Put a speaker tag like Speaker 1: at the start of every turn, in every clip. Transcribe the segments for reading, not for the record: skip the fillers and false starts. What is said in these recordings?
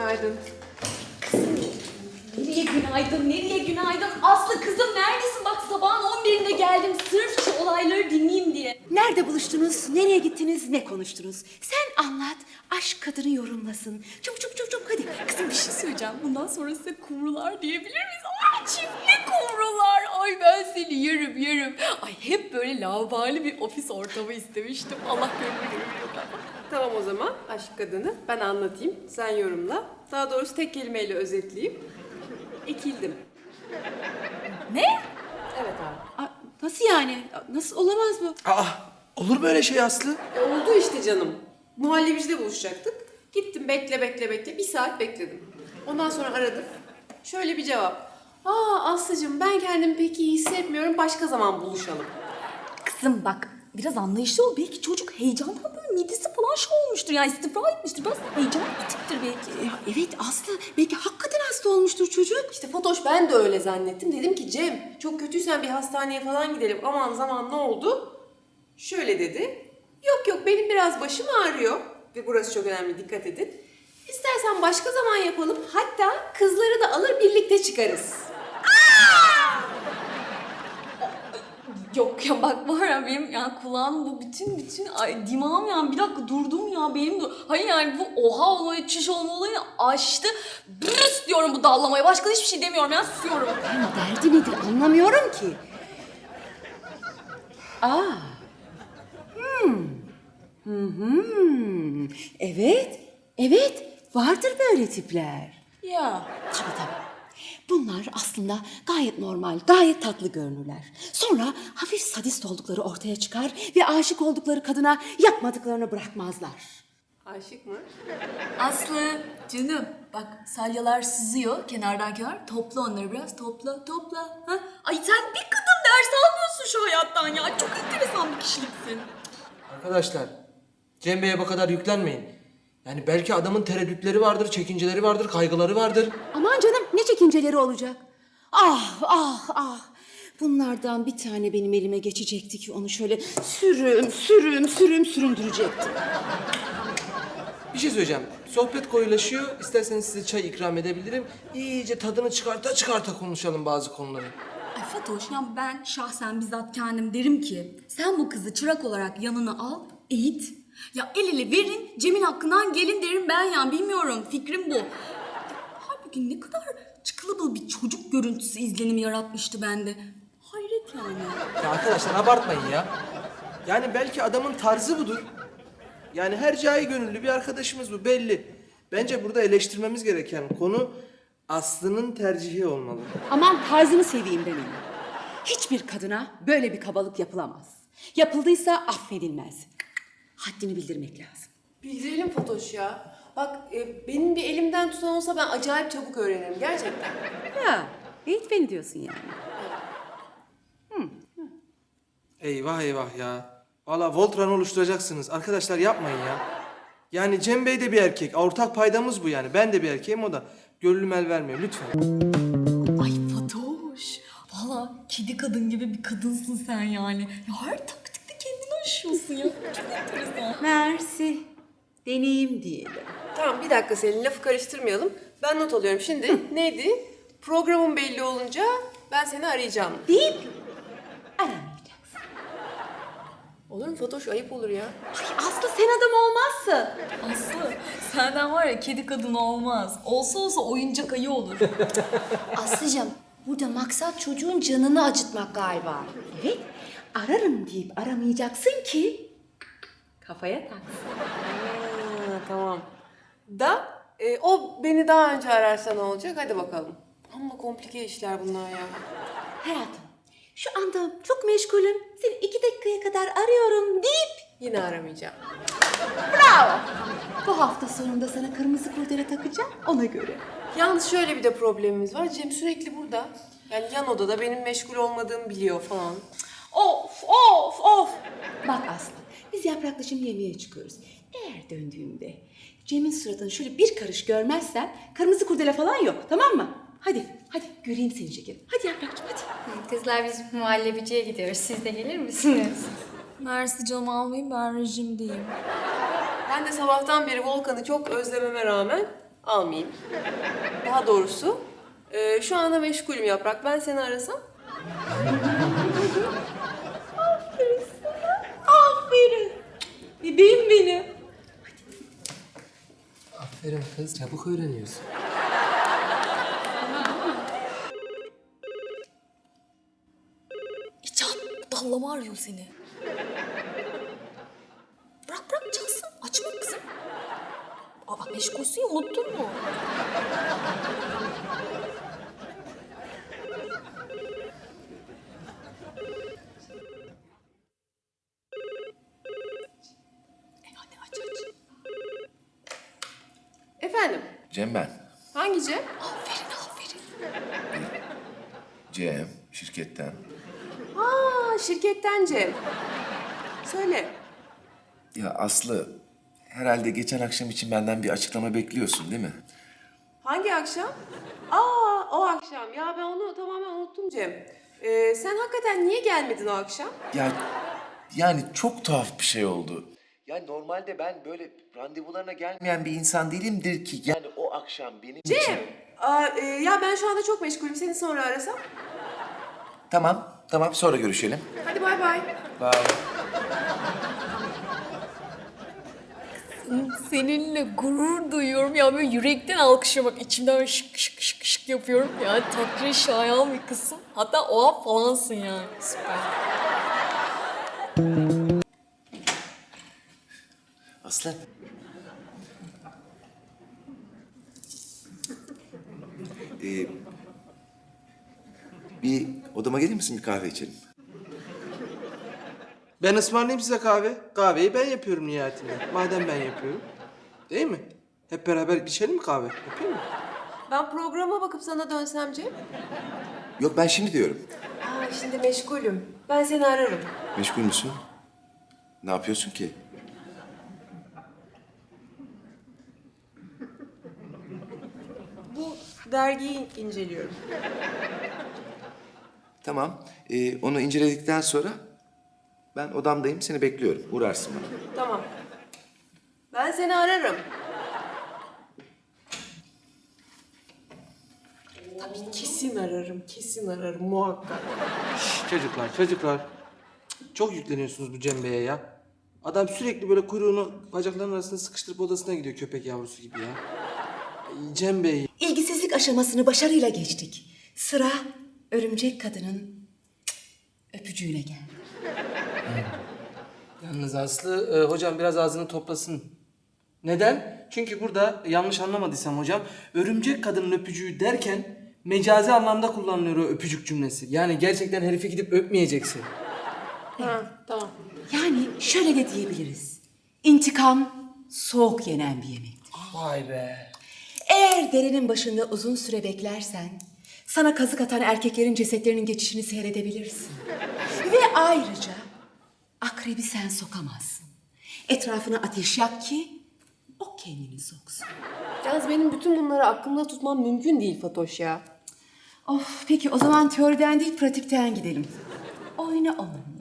Speaker 1: Günaydın.
Speaker 2: Nereye günaydın, nereye günaydın? Aslı kızım neredesin? Bak sabahın 11'inde geldim sırf şu olayları dinleyeyim diye.
Speaker 3: Nerede buluştunuz, nereye gittiniz, ne konuştunuz? Sen anlat, aşk kadını yorumlasın. Çabuk çabuk çabuk çabuk hadi.
Speaker 2: Kızım bir şey söyleyeceğim. Bundan sonra size kumrular diyebilir miyiz? Ay çiftli kumrular. Ay ben seni yerim yerim. Ay hep böyle laubali bir ofis ortamı istemiştim. Allah gönlünü görüyor.
Speaker 1: Tamam o zaman aşk kadını ben anlatayım. Sen yorumla. Daha doğrusu tek kelimeyle özetleyeyim. Ekildim.
Speaker 2: Ne?
Speaker 1: Evet abi.
Speaker 3: Aa, nasıl yani? Nasıl olamaz bu?
Speaker 4: Aa, olur böyle şey Aslı.
Speaker 1: Oldu işte canım. Muhallebicide buluşacaktık. Gittim bekle. Bir saat bekledim. Ondan sonra aradım. Şöyle bir cevap. Aslıcığım ben kendimi pek iyi hissetmiyorum. Başka zaman buluşalım.
Speaker 2: Kızım bak biraz anlayışlı ol. Belki çocuk heyecandan böyle midesi falan şey olmuştur. Yani istifra etmiştir. Biraz heyecan bitiktir belki.
Speaker 3: Evet Aslı, belki hakikaten hasta olmuştur çocuk.
Speaker 1: İşte Fatoş ben de öyle zannettim. Dedim ki Cem çok kötüysen bir hastaneye falan gidelim. Aman zaman ne oldu? Şöyle dedi. Yok benim biraz başım ağrıyor. Ve burası çok önemli dikkat edin. İstersen başka zaman yapalım. Hatta kızları da alır birlikte çıkarız.
Speaker 2: Yok ya bak var ya benim yani kulağım bu bütün ay dimağım yani bir dakika durdum ya benim de. Hayır yani bu oha olayı çiş olma olayını aştı. Brüs diyorum bu dallamaya. Başka hiçbir şey demiyorum ya susuyorum.
Speaker 3: Yani derdi nedir anlamıyorum ki. Aa. Evet, vardır böyle tipler.
Speaker 2: Ya.
Speaker 3: Tabii. Bunlar aslında gayet normal, gayet tatlı görünürler. Sonra hafif sadist oldukları ortaya çıkar ve aşık oldukları kadına yapmadıklarını bırakmazlar.
Speaker 1: Aşık mı?
Speaker 2: Aslı canım bak salyalar sızıyor kenardan kenar. Topla onları biraz topla. Ha? Ay sen bir kadın ders almıyorsun şu hayattan ya. Çok enteresan bir kişiliksin.
Speaker 4: Arkadaşlar, Cem Bey'e bu kadar yüklenmeyin. Yani belki adamın tereddütleri vardır, çekinceleri vardır, kaygıları vardır.
Speaker 3: Aman canım ne çekinceleri olacak. Ah. Bunlardan bir tane benim elime geçecekti ki onu şöyle süründürecektim.
Speaker 4: Bir şey söyleyeceğim. Sohbet koyulaşıyor. İsterseniz size çay ikram edebilirim. İyice tadını çıkarta konuşalım bazı konuları.
Speaker 2: Ay Fatoş ya ben şahsen bizzat kendim derim ki sen bu kızı çırak olarak yanına al, eğit. Ya el ele verin, Cem'in hakkından gelin derim ben ya bilmiyorum fikrim bu. Ya, halbuki ne kadar çıkılıbıl bir çocuk görüntüsü izlenimi yaratmıştı bende. Hayret yani.
Speaker 4: Ya arkadaşlar abartmayın ya. Yani belki adamın tarzı budur. Yani her cahil gönüllü bir arkadaşımız bu belli. Bence burada eleştirmemiz gereken konu Aslı'nın tercihi olmalı.
Speaker 3: Aman tarzını seveyim ben onu. Hiçbir kadına böyle bir kabalık yapılamaz. Yapıldıysa affedilmez. Haddini bildirmek lazım.
Speaker 1: Bildirelim Fatoş ya. Bak benim bir elimden tutan olsa ben acayip çabuk öğrenirim gerçekten.
Speaker 3: Ya, eğit beni diyorsun yani.
Speaker 4: Eyvah ya. Valla Voltran oluşturacaksınız. Arkadaşlar yapmayın ya. Yani Cem Bey de bir erkek. Ortak paydamız bu yani. Ben de bir erkeğim o da. Gönlüm el vermiyor lütfen.
Speaker 2: Ay Fatoş, valla kedi kadın gibi bir kadınsın sen yani. Ya her taktikte kendini aşıyorsun ya. Çok enteresan.
Speaker 3: Mersi. Deneyim diyelim.
Speaker 1: Tamam bir dakika Selin lafı karıştırmayalım. Ben not alıyorum şimdi. Neydi? Programın belli olunca ben seni arayacağım.
Speaker 3: Deyip aramayacaksın.
Speaker 1: Olur mu Fatoş? Ayıp olur ya.
Speaker 3: Aslı sen adam olmazsın.
Speaker 2: Aslı senden var ya kedi kadın olmaz. Olsa oyuncak ayı olur.
Speaker 5: Aslıcığım, burada maksat çocuğun canını acıtmak galiba.
Speaker 3: Evet, ararım deyip aramayacaksın ki kafaya taksın.
Speaker 1: Tamam. O beni daha önce ararsa ne olacak? Hadi bakalım. Amma komplike işler bunlar ya.
Speaker 3: Hayatım, şu anda çok meşgulüm. Seni 2 dakikaya kadar arıyorum deyip
Speaker 1: Yine aramayacağım.
Speaker 3: bravo. Bu hafta sonunda sana kırmızı kurdele takacağım ona göre.
Speaker 1: Yalnız şöyle bir de problemimiz var. Cem sürekli burada. Yani yan odada benim meşgul olmadığımı biliyor falan.
Speaker 3: Of. Bak Aslı, biz Yaprak'la şimdi yemeğe çıkıyoruz. Eğer döndüğümde Cem'in suratını şöyle bir karış görmezsen kırmızı kurdele falan yok, tamam mı? Hadi göreyim seni şekerim. Hadi Yaprak'cığım hadi.
Speaker 5: Kızlar biz muhallebiciye gidiyoruz. Siz de gelir misiniz?
Speaker 2: Mersi canım almayayım ben rejimdeyim.
Speaker 1: Ben de sabahtan beri Volkan'ı çok özlememe rağmen almayayım. Daha doğrusu şu anda meşgulüm Yaprak. Ben seni arasam? Aferin sana. Aferin. Bebeğim benim.
Speaker 4: Aferin kız, çabuk öğreniyorsun.
Speaker 2: İcat dallama arıyor seni. Bırak bırak çalsın. Açma kızım. Aa meşgulsün ya, unuttun mu? Hadi aç aç.
Speaker 1: Efendim?
Speaker 6: Cem ben.
Speaker 1: Hangi Cem?
Speaker 2: Aferin aferin.
Speaker 6: Cem, şirketten.
Speaker 1: Aa, şirketten Cem. Söyle.
Speaker 6: Ya Aslı, herhalde geçen akşam için benden bir açıklama bekliyorsun değil mi?
Speaker 1: Hangi akşam? Aa, o akşam. Ya ben onu tamamen unuttum Cem. Sen hakikaten niye gelmedin o akşam?
Speaker 6: Ya yani çok tuhaf bir şey oldu. Yani normalde ben böyle randevularına gelmeyen bir insan değilimdir ki. Yani o akşam benim için...
Speaker 1: Cem! Ya ben şu anda çok meşgulüm. Seni sonra arasam.
Speaker 6: Tamam sonra görüşelim.
Speaker 1: Hadi bay bay.
Speaker 6: Bye.
Speaker 2: Seninle gurur duyuyorum ya, böyle yürekten alkışlamak, içimden böyle şık şık şık şık yapıyorum. Yani takdire şayan bir kızsın. Hatta oha falansın yani. Süper.
Speaker 6: Aslı. Bir odama gelir misin, bir kahve içelim?
Speaker 4: Ben ısmarlayayım size kahve. Kahveyi ben yapıyorum nihayetinde. Madem ben yapıyorum. Değil mi? Hep beraber içelim mi kahve? Yapayım mı?
Speaker 1: Ben programa bakıp sana dönsem Cem.
Speaker 6: Yok, ben şimdi diyorum.
Speaker 1: Aa, şimdi meşgulüm. Ben seni ararım.
Speaker 6: Meşgul müsün? Ne yapıyorsun ki?
Speaker 1: Bu dergiyi inceliyorum.
Speaker 6: Tamam. Onu inceledikten sonra ben odamdayım, seni bekliyorum. Uğrarsın bana.
Speaker 1: Tamam. Ben seni ararım. Tabii kesin ararım, kesin ararım muhakkak.
Speaker 4: Çocuklar. Çok yükleniyorsunuz bu Cem Bey'e ya. Adam sürekli böyle kuyruğunu bacaklarının arasına sıkıştırıp odasına gidiyor köpek yavrusu gibi ya. Ay, Cem Bey.
Speaker 3: İlgisizlik aşamasını başarıyla geçtik. Sıra örümcek kadının öpücüğüne geldi.
Speaker 4: Yalnız Aslı, hocam biraz ağzını toplasın. Neden? Çünkü burada yanlış anlamadıysam hocam, örümcek kadının öpücüğü derken mecazi anlamda kullanılıyor o öpücük cümlesi. Yani gerçekten herife gidip öpmeyeceksin.
Speaker 1: Ha, tamam.
Speaker 3: Yani şöyle de diyebiliriz. İntikam soğuk yenen bir yemektir.
Speaker 4: Vay be.
Speaker 3: Eğer derinin başında uzun süre beklersen sana kazık atan erkeklerin cesetlerinin geçişini seyredebilirsin. Ve ayrıca akrebi sen sokamazsın. Etrafına ateş yak ki o kendini soksun.
Speaker 1: Yalnız benim bütün bunları aklımda tutmam mümkün değil Fatoş ya.
Speaker 3: Of, peki o zaman teoriden değil pratikten gidelim. Oyna onunla.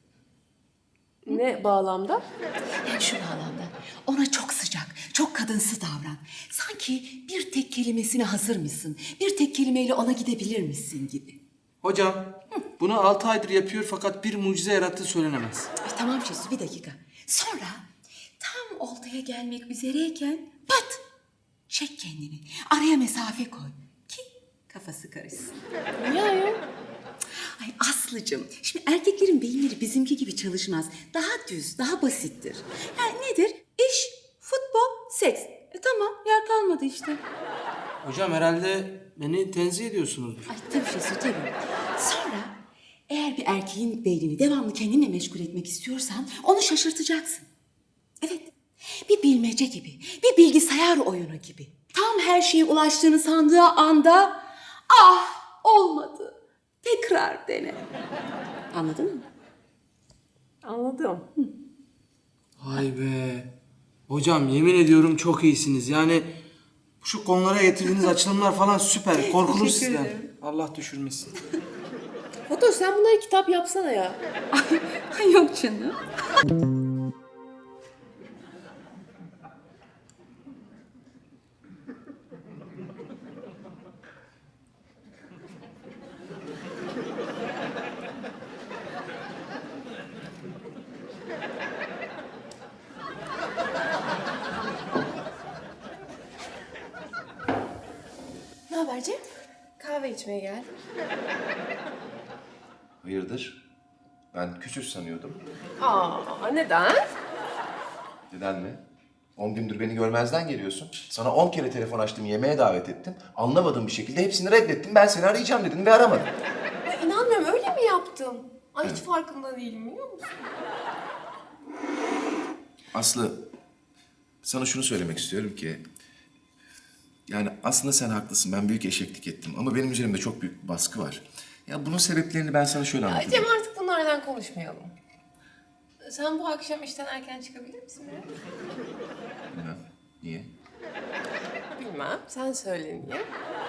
Speaker 1: Ne bağlamda?
Speaker 3: Yani şu bağlamda ona çok sıcak, çok kadınsı davran. Sanki bir tek kelimesine hazır mısın? Bir tek kelimeyle ona gidebilir misin gibi.
Speaker 4: Hocam, bunu 6 aydır yapıyor fakat bir mucize yarattığı söylenemez.
Speaker 3: Tamam Şesu, bir dakika. Sonra tam oltaya gelmek üzereyken pat! Çek kendini. Araya mesafe koy ki kafası karışsın.
Speaker 1: Niye ayol?
Speaker 3: Ay Aslıcığım, şimdi erkeklerin beyinleri bizimki gibi çalışmaz. Daha düz, daha basittir. Yani nedir? İş, futbol, seks. Tamam, yer kalmadı işte.
Speaker 4: Hocam herhalde beni tenzih ediyorsunuzdur.
Speaker 3: Ay tabii Şesu, tabii. Sonra eğer bir erkeğin beynini devamlı kendinle meşgul etmek istiyorsan onu şaşırtacaksın. Evet, bir bilmece gibi, bir bilgisayar oyunu gibi. Tam her şeye ulaştığını sandığı anda ah olmadı. Tekrar dene. Anladın mı?
Speaker 1: Anladım.
Speaker 4: Vay be. Hocam yemin ediyorum çok iyisiniz. Yani şu konulara getirdiğiniz açılımlar falan süper. Korkulur sizden. Allah düşürmesin.
Speaker 1: Fatoş sen bunları kitap yapsana ya.
Speaker 3: Ay yok canım.
Speaker 1: Cem? Kahve içmeye geldim.
Speaker 6: Hayırdır? Ben küsüz sanıyordum.
Speaker 1: Aa, neden?
Speaker 6: Neden mi? 10 gündür beni görmezden geliyorsun. Sana 10 kere telefon açtım, yemeğe davet ettim. Anlamadığım bir şekilde hepsini reddettim. Ben seni arayacağım dedim ve aramadım.
Speaker 1: Ya inanmıyorum, öyle mi yaptım? Ay hiç farkında değilim, biliyor musun?
Speaker 6: Aslı, sana şunu söylemek istiyorum ki... Yani aslında sen haklısın. Ben büyük eşeklik ettim. Ama benim üzerimde çok büyük bir baskı var. Ya bunun sebeplerini ben sana şöyle
Speaker 1: Ya
Speaker 6: anlatayım.
Speaker 1: Cem, artık bunlardan konuşmayalım. Sen bu akşam işten erken çıkabilir misin ya?
Speaker 6: Bilmem. Niye?
Speaker 1: Bilmem, sen söyle niye?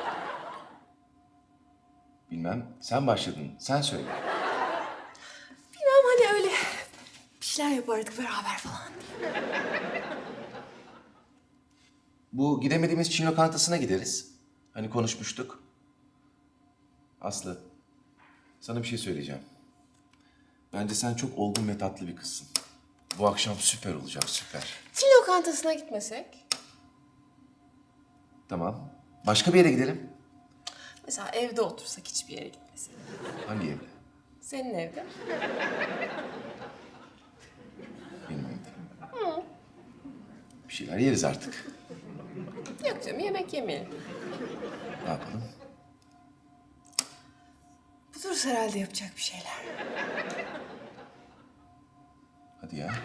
Speaker 6: Bilmem. Sen başladın. Sen söyle.
Speaker 1: Bilmem, hani öyle bir şeyler yapardık beraber falan diye.
Speaker 6: Bu gidemediğimiz Çin lokantasına gideriz. Hani konuşmuştuk. Aslı, sana bir şey söyleyeceğim. Bence sen çok olgun ve tatlı bir kızsın. Bu akşam süper olacak, süper.
Speaker 1: Çin lokantasına gitmesek?
Speaker 6: Tamam. Başka bir yere gidelim.
Speaker 1: Mesela evde otursak, hiçbir yere gitmesek.
Speaker 6: Hangi evde?
Speaker 1: Senin evde.
Speaker 6: Benim evde. Bir şeyler yeriz artık.
Speaker 1: Yok canım, yemek yemeyelim.
Speaker 6: Ne yapalım?
Speaker 1: Buluruz herhalde yapacak bir şeyler.
Speaker 6: Hadi ya.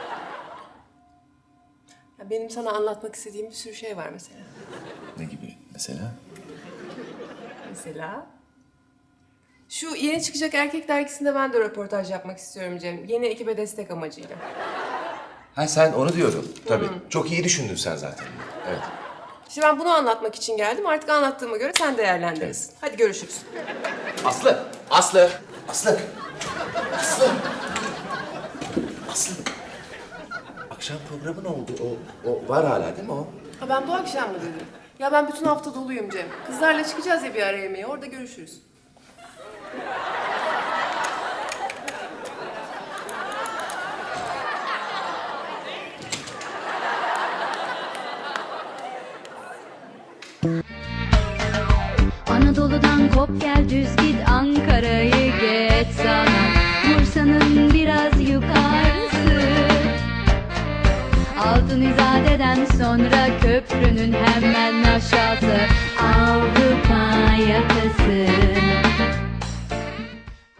Speaker 1: Ya benim sana anlatmak istediğim bir sürü şey var mesela.
Speaker 6: Ne gibi mesela?
Speaker 1: Mesela? Şu yeni çıkacak erkek dergisinde ben de röportaj yapmak istiyorum Cem. Yeni ekibe destek amacıyla.
Speaker 6: Ha sen onu diyordun. Tabii. Çok iyi düşündün sen zaten. Evet.
Speaker 1: İşte ben bunu anlatmak için geldim. Artık anlattığıma göre sen değerlendirirsin. Hadi görüşürüz.
Speaker 6: Aslı! Aslı! Aslı! Aslı! Aslı! Akşam programı ne oldu? O var hala değil mi o?
Speaker 1: Ha, ben bu akşam mı dedim? Ya ben bütün hafta doluyum Cem. Kızlarla çıkacağız ya bir ara yemeğe. Orada görüşürüz.
Speaker 7: Anadolu'dan kop gel düz git Ankara'yı geç sana Bursa'nın biraz yukarısı Altın İzade'den sonra köprünün hemen aşağısı